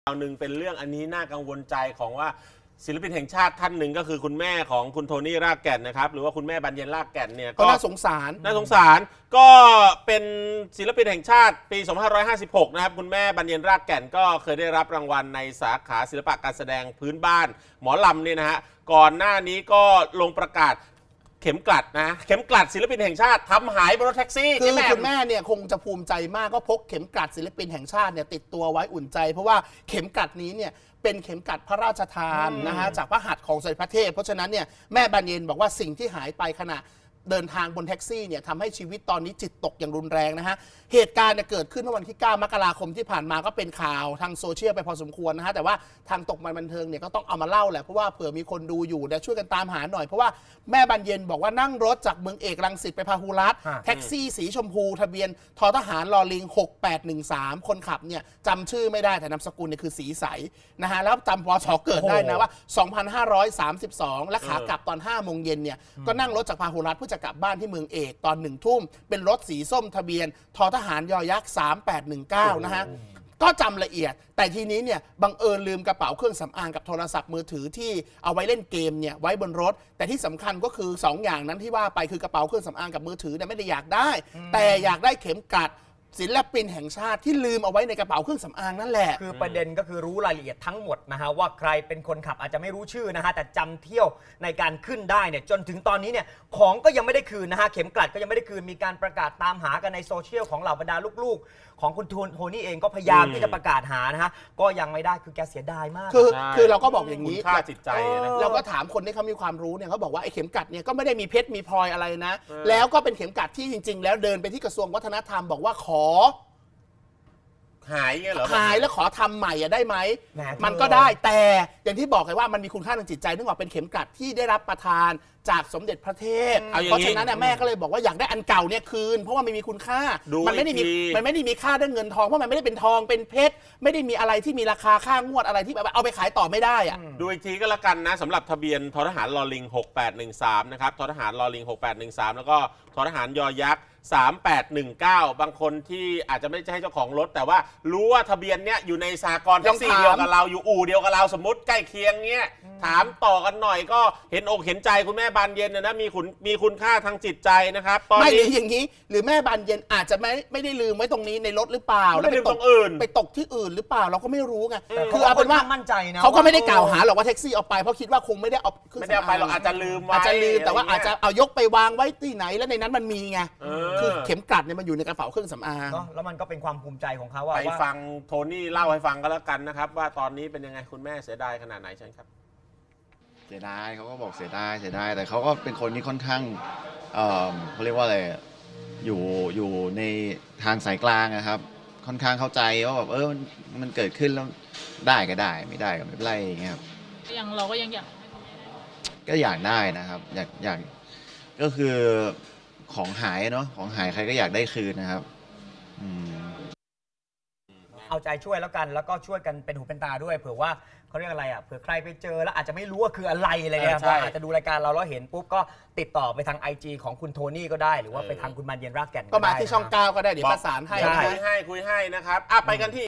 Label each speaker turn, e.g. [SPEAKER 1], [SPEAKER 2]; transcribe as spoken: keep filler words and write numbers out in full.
[SPEAKER 1] าวหนึ่งเป็นเรื่องอันนี้น่ากังวลใจของว่าศิลปินแห่งชาติท่านหนึ่งก็คือคุณแม่ของคุณโทนี่รากแก่นนะครับหรือว่าคุณแม่บรรเย็นรากแก่นเนี่ย
[SPEAKER 2] ก็น่าสงสาร
[SPEAKER 1] น่าสงสารก็เป็นศิลปินแห่งชาติปีสองพันห้าร้อยห้าสิบหกนะครับคุณแม่บรรเย็นรากแก่นก็เคยได้รับรางวัลในสาขาศิลปะการแสดงพื้นบ้านหมอลำเนี่ยนะฮะก่อนหน้านี้ก็ลงประกาศเข็มกลัดนะเข็มกลัดศิลปินแห่งชาติทำหายบนรถแท็กซี่
[SPEAKER 2] คือคุณแม่เนี่ยคงจะภูมิใจมากก็พกเข็มกลัดศิลปินแห่งชาติเนี่ยติดตัวไว้อุ่นใจเพราะว่าเข็มกลัดนี้เนี่ยเป็นเข็มกลัดพระราชทานนะฮะจากพระหัตถ์ของสมเด็จพระเทพเพราะฉะนั้นเนี่ยแม่บรรเย็นบอกว่าสิ่งที่หายไปขณะเดินทางบนแท็กซี่เนี่ยทำให้ชีวิตตอนนี้จิตตกอย่างรุนแรงนะฮะเหตุการณ์เนี่ยเกิดขึ้นเมื่อวันที่เก้ามกราคมที่ผ่านมาก็เป็นข่าวทางโซเชียลไปพอสมควรนะฮะแต่ว่าทางตกมันบันเทิงเนี่ยก็ต้องเอามาเล่าแหละเพราะว่าเผื่อมีคนดูอยู่เนี่ยช่วยกันตามหาหน่อยเพราะว่าแม่บรรเย็นบอกว่านั่งรถจากเมืองเอกรังสิตไปพาหุรัตน์แท็กซี่สีชมพูทะเบียนททหารลอลิงหกแปดหนึ่งสามคนขับเนี่ยจำชื่อไม่ได้แต่นามสกุลเนี่ยคือสีใสนะฮะแล้วจำพศเกิดได้นะว่าสองพันห้าร้อยสามสิบสองและขากลับตอนห้าโมงเย็นเนี่ยก็นั่งรถจากพาหุรัตน์เพื่อจะกลับบ้านที่เมืองเอกตอนหนึ่งทุ่มเป็นรถสีส้มทะเบียนททหารยอยักษ์สามแปดหนึ่งเก้านะฮะก็จำละเอียดแต่ทีนี้เนี่ยบังเอิญลืมกระเป๋าเครื่องสำอางกับโทรศัพท์มือถือที่เอาไว้เล่นเกมเนี่ยไว้บนรถแต่ที่สำคัญก็คือสองอย่างนั้นที่ว่าไปคือกระเป๋าเครื่องสำอางกับมือถือเนี่ยไม่ได้อยากได้แต่อยากได้เข็มกลัดศิลปินแห่งชาติที่ลืมเอาไว้ในกระเป๋าเครื่องสำอางนั่นแหละ
[SPEAKER 3] คือประเด็นก็คือรู้รายละเอียดทั้งหมดนะฮะว่าใครเป็นคนขับอาจจะไม่รู้ชื่อนะฮะแต่จำเที่ยวในการขึ้นได้เนี่ยจนถึงตอนนี้เนี่ยของก็ยังไม่ได้คืนนะฮะเข็มกลัดก็ยังไม่ได้คืนมีการประกาศตามหากันในโซเชียลของเหล่าบรรดาลูกๆของคุณโทนี่เองก็พยายามที่จะประกาศหานะฮะก็ยังไม่ได้คือแกเสียดายมาก
[SPEAKER 2] คือคือเราก็บอกอย่างนี้
[SPEAKER 1] ค่าจิตใจนะ
[SPEAKER 2] เราก็ถามคนที่เขามีความรู้เนี่ยเขาบอกว่าไอ้เข็มกลัดเนี่ยก็ไม่ได้มีเพชรมีพลอยอะไรนะแล้วก็เป็นเข็มกลัดที่จริงๆแล้วเดินไปที่กระทรวงวัฒนธรรมบอกว่าขอ
[SPEAKER 1] หายเงี้ยเหรอ
[SPEAKER 2] หายแล้วขอทำใหม่อะได้ไหมมันก็ได้แต่อย่างที่บอกเลยว่ามันมีคุณค่าทางจิตใจนึกออกเป็นเข็มกลัดที่ได้รับประทานจากสมเด็จพระเทพเพราะฉะนั้นแม่ก็เลยบอกว่าอยากได้อันเก่าเนี่ยคืนเพราะว่ามันมีคุณค่ามันไม่ได้มีมันไม่ได้มีค่าด้วยเงินทองเพราะมันไม่ได้เป็นทองเป็นเพชรไม่ได้มีอะไรที่มีราคาค่างวดอะไรที่แบบเอาไปขายต่อไม่ได้อะ
[SPEAKER 1] ดูอีกทีก็แล้วกันนะสำหรับทะเบียนททหารลอลิงหกแปดหนึ่งสามนะครับททหารลอลิงหกแปดหนึ่งสามแล้วก็ททหารยอยักษ์สามแปดหนึ่งเก้าบางคนที่อาจจะไม่ใช่เจ้าของรถแต่ว่ารู้ว่าทะเบียนเนี้ยอยู่ในสหกรณ์แท็กซี่เดียวกับเราอยู่อู่เดียวกับเราสมมติใกล้เคียงเนี้ยถามต่อกันหน่อยก็เห็นอกเห็นใจคุณแม่บานเย็นนะมีคุณมีคุณค่าทางจิตใจนะครับ
[SPEAKER 2] ตอนนี้ไม่หรืออย่างนี้หรือแม่บานเย็นอาจจะไม่ไม่ได้ลืมไว้ตรงนี้ในรถหรือเปล่า
[SPEAKER 1] แล้วไปตกอื่น
[SPEAKER 2] ไปตกที่อื่นหรือเปล่าเราก็ไม่รู้ไง
[SPEAKER 3] คือเอาเป็นว่ามั่นใจนะ
[SPEAKER 2] เขาก็ไม่ได้กล่าวหาหรอกว่าแท็กซี่เอาไปเพราะคิดว่าคงไม่ได้เอา
[SPEAKER 1] ไม่ได้เอาไปหรอกอาจจะลืม
[SPEAKER 2] อาจจะลืมแต่ว่าอาจจะเอายกไปวางไว้ที่ไหนแล้วในนั้นมันมีไงคือเข็มกลัดมันอยู่ในกระเป๋าเครื่องสำอาง
[SPEAKER 3] แล้วมันก็เป็นความภูมิใจของเขาว่า
[SPEAKER 1] ไปฟังโทนี่เล่าให้ฟังก็แล้วกันนะครับว่าตอนนี้เป็นยังไงคุณแม่เสียดายขนาดไหนเชิญครับ
[SPEAKER 4] เสียดายเขาก็บอกเสียดายเสียดายแต่เขาก็เป็นคนที่ค่อนข้างเอ่อเขาเรียกว่าอะไรอยู่อยู่ในทางสายกลางนะครับค่อนข้างเข้าใจว่าแบบเออมันเกิดขึ้นแล้วได้ก็ได้ไม่ได้ก็ไม่เป็นไรอย่างเงี้ยครับ
[SPEAKER 5] ยังเราก็ยังอยาก
[SPEAKER 4] ก็อยากได้นะครับอยากอยากก็คือของหายเนาะของหายใครก็อยากได้คืนนะครับ
[SPEAKER 3] เอาใจช่วยแล้วกันแล้วก็ช่วยกันเป็นหูเป็นตาด้วยเผื่อว่าเขาเรียกอะไรอ่ะเผื่อใครไปเจอแล้วอาจจะไม่รู้ว่าคืออะไรอะไรเงี้ยอาจจะดูรายการเราแล้วเห็นปุ๊บก็ติดต่อไปทาง ไอ จี ของคุณโทนี่ก็ได้หรือว่าไปทางคุณบรรเย็นรากแก่น
[SPEAKER 2] ก็มาที่ช่องเก้าก็ได้เดี๋ยวประสานให้
[SPEAKER 1] คุยให้คุยให้นะครับไปกันที่